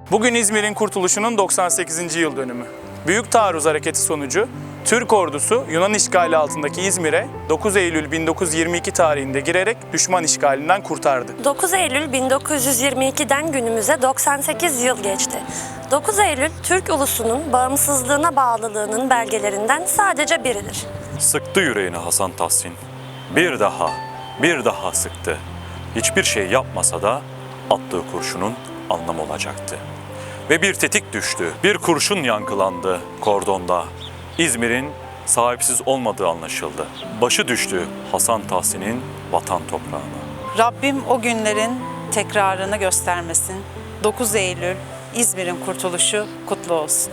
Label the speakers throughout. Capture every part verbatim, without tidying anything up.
Speaker 1: Bugün İzmir'in kurtuluşunun doksan sekizinci yıl dönümü. Büyük Taarruz Hareketi sonucu Türk ordusu Yunan işgali altındaki İzmir'e dokuz Eylül bin dokuz yüz yirmi iki tarihinde girerek düşman işgalinden kurtardı.
Speaker 2: dokuz Eylül bin dokuz yüz yirmi iki'den günümüze doksan sekiz yıl geçti. dokuz Eylül, Türk ulusunun bağımsızlığına bağlılığının belgelerinden sadece biridir.
Speaker 3: Sıktı yüreğini Hasan Tahsin. Bir daha, bir daha sıktı. Hiçbir şey yapmasa da attığı kurşunun anlamı olacaktı. Ve bir tetik düştü, bir kurşun yankılandı kordonda. İzmir'in sahipsiz olmadığı anlaşıldı. Başı düştü Hasan Tahsin'in vatan toprağına.
Speaker 4: Rabbim o günlerin tekrarını göstermesin. dokuz Eylül İzmir'in kurtuluşu kutlu olsun.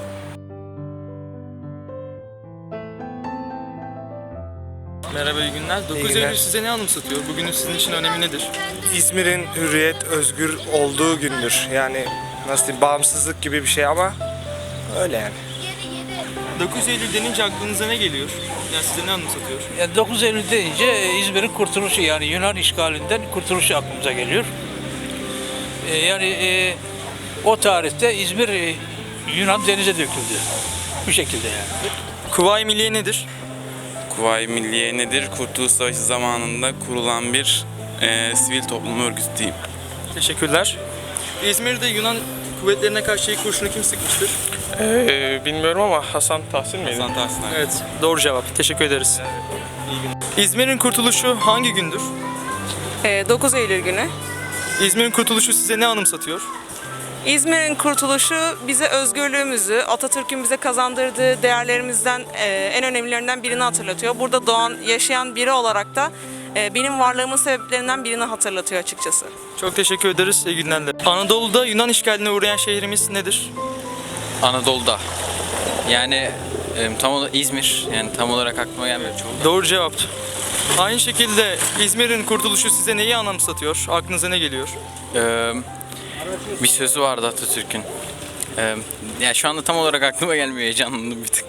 Speaker 5: Merhaba, iyi günler. dokuz
Speaker 6: günler.
Speaker 5: Eylül size ne anımsatıyor? Bugünün sizin için önemi nedir?
Speaker 6: İzmir'in hürriyet, özgür olduğu gündür. Yani nasıl diyeyim, bağımsızlık gibi bir şey ama öyle yani.
Speaker 5: dokuz Eylül denince aklınıza ne geliyor? Yani size ne anımsatıyor?
Speaker 7: Yani dokuz Eylül deyince İzmir'in kurtuluşu, yani Yunan işgalinden kurtuluşu aklımıza geliyor. Ee, yani e, o tarihte İzmir e, Yunan denize döküldü. Bu şekilde yani.
Speaker 5: Kuvayi Milliye nedir?
Speaker 8: Kuvayi Milliye nedir? Kurtuluş Savaşı zamanında kurulan bir e, sivil toplum örgütü diyeyim.
Speaker 5: Teşekkürler. İzmir'de Yunan kuvvetlerine karşı ilk kurşunu kim sıkmıştır?
Speaker 9: Ee, bilmiyorum ama Hasan Tahsin miydi?
Speaker 8: Hasan Tahsin.
Speaker 5: Evet, doğru cevap. Teşekkür ederiz. İyi günler. İzmir'in kurtuluşu hangi gündür?
Speaker 10: dokuz Eylül günü.
Speaker 5: İzmir'in kurtuluşu size ne anımsatıyor?
Speaker 10: İzmir'in kurtuluşu bize özgürlüğümüzü, Atatürk'ün bize kazandırdığı değerlerimizden e, en önemlilerinden birini hatırlatıyor. Burada doğan, yaşayan biri olarak da e, benim varlığımın sebeplerinden birini hatırlatıyor açıkçası.
Speaker 5: Çok teşekkür ederiz. İyi günler. Anadolu'da Yunan işgaline uğrayan şehrimiz nedir?
Speaker 11: Anadolu'da. Yani e, tam olarak İzmir. Yani tam olarak aklıma gelmiyor çoğu.
Speaker 5: Doğru cevap. Aynı şekilde İzmir'in kurtuluşu size neyi anımsatıyor? Aklınıza ne geliyor?
Speaker 11: Ee, bir sözü vardı Atatürk'ün. Ee, yani şu anda tam olarak aklıma gelmiyor, heyecanlandım bir tık.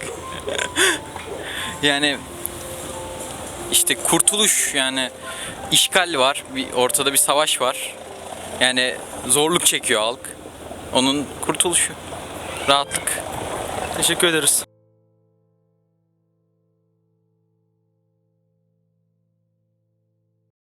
Speaker 11: Yani işte kurtuluş, yani işgal var, bir, ortada bir savaş var. Yani zorluk çekiyor halk. Onun kurtuluşu, rahatlık.
Speaker 5: Teşekkür ederiz.